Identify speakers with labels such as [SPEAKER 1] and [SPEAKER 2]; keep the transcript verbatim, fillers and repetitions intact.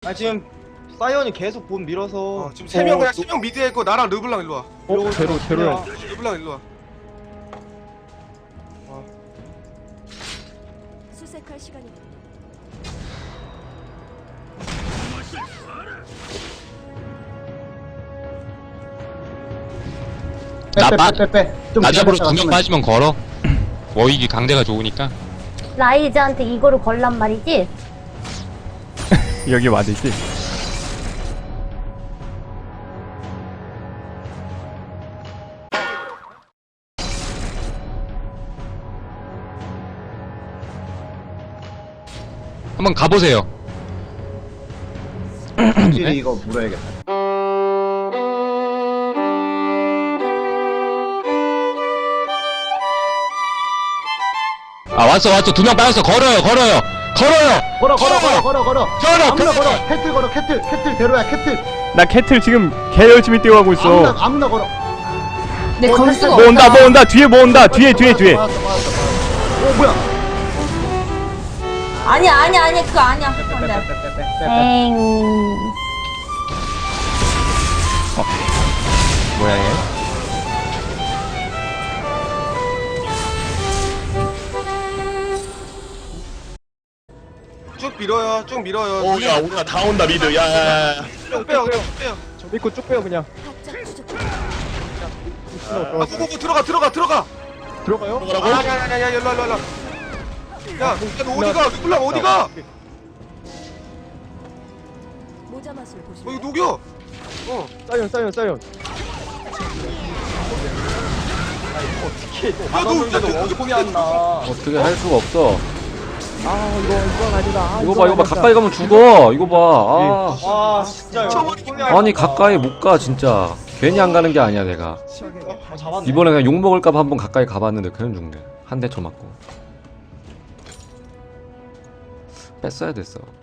[SPEAKER 1] 아 지금 사이언이 계속 본 밀어서
[SPEAKER 2] 어, 지금 세 명
[SPEAKER 3] 어,
[SPEAKER 2] 그냥
[SPEAKER 3] 또-
[SPEAKER 2] 세 명 미드에 있고 나랑 르블랑 일로 와.
[SPEAKER 3] 어? 제로 제로야.
[SPEAKER 2] 르블랑 일로 와.
[SPEAKER 4] 수색할 시간입니다.
[SPEAKER 5] 나 빠-
[SPEAKER 6] 빼빼빼빼 좀
[SPEAKER 5] 나 잡으러
[SPEAKER 6] 기다렸다가
[SPEAKER 5] 두 명
[SPEAKER 6] 좀
[SPEAKER 5] 빠지면 걸어. 워익이 강제가 좋으니까.
[SPEAKER 7] 라이즈한테 이거를 걸란 말이지?
[SPEAKER 3] 여기 맞을지.
[SPEAKER 5] 한번 가보세요.
[SPEAKER 6] 확실히 이거 물어야겠다.
[SPEAKER 5] 아 왔어 왔어 두 명 빠졌어. 걸어요 걸어요 걸어요.
[SPEAKER 6] 걸어 걸어 걸어 걸어 걸어
[SPEAKER 5] 걸어,
[SPEAKER 6] 아무나
[SPEAKER 5] 걸어.
[SPEAKER 6] 걸어 캐틀 걸어 캐틀 캐틀 대로야 캐틀
[SPEAKER 3] 나 캐틀 지금 개 열심히 뛰어가고 있어.
[SPEAKER 6] 아무나 아무나 걸어.
[SPEAKER 8] 내 걸 수가
[SPEAKER 3] 뭐 온다
[SPEAKER 8] 없다.
[SPEAKER 3] 뭐 온다 뒤에 뭐 온다 뒤에 뒤에 뒤에.
[SPEAKER 6] 맞았어, 맞았어, 맞았어. 어 뭐야?
[SPEAKER 8] 아니야 아니야 아니야 그거 아니야. 안 돼.
[SPEAKER 7] 엥.
[SPEAKER 3] 뭐야 얘?
[SPEAKER 2] 쭉 밀어요. 쭉 밀어요.
[SPEAKER 9] 오야 우리가 다 온다 미드 야야야.
[SPEAKER 2] 쭉 빼요. 그냥 쭉 빼요.
[SPEAKER 3] 저 믿고 쭉 빼요 그냥.
[SPEAKER 4] 확장 부족.
[SPEAKER 2] 아, 고고고 들어가 들어가 들어가.
[SPEAKER 3] 들어가요?
[SPEAKER 9] 뭐라고?
[SPEAKER 2] 야야야야 일로 일로 일로. 야, 너 어디가? 르블랑 어디가?
[SPEAKER 4] 모자 맛을
[SPEAKER 2] 어
[SPEAKER 4] 보시면
[SPEAKER 2] 이거 녹여. 어.
[SPEAKER 3] 사이언 사이언 사이언.
[SPEAKER 2] 야, 너 어디 어디 안 나?
[SPEAKER 10] 어떻게 할 수가 없어.
[SPEAKER 3] 아 이거 이건 아니다. 아,
[SPEAKER 10] 이거 봐, 이거 봐.
[SPEAKER 3] 아니다.
[SPEAKER 10] 가까이 가면 죽어. 이거 봐.
[SPEAKER 1] 와 진짜
[SPEAKER 10] 아, 아니 가까이 못 가 진짜. 괜히 안 가는 게 아니야 내가.
[SPEAKER 1] 아, 잡았네.
[SPEAKER 10] 이번에 그냥 욕 먹을까봐 한번 가까이 가봤는데 그냥 죽네. 한 대 쳐 맞고. 뺐어야 됐어.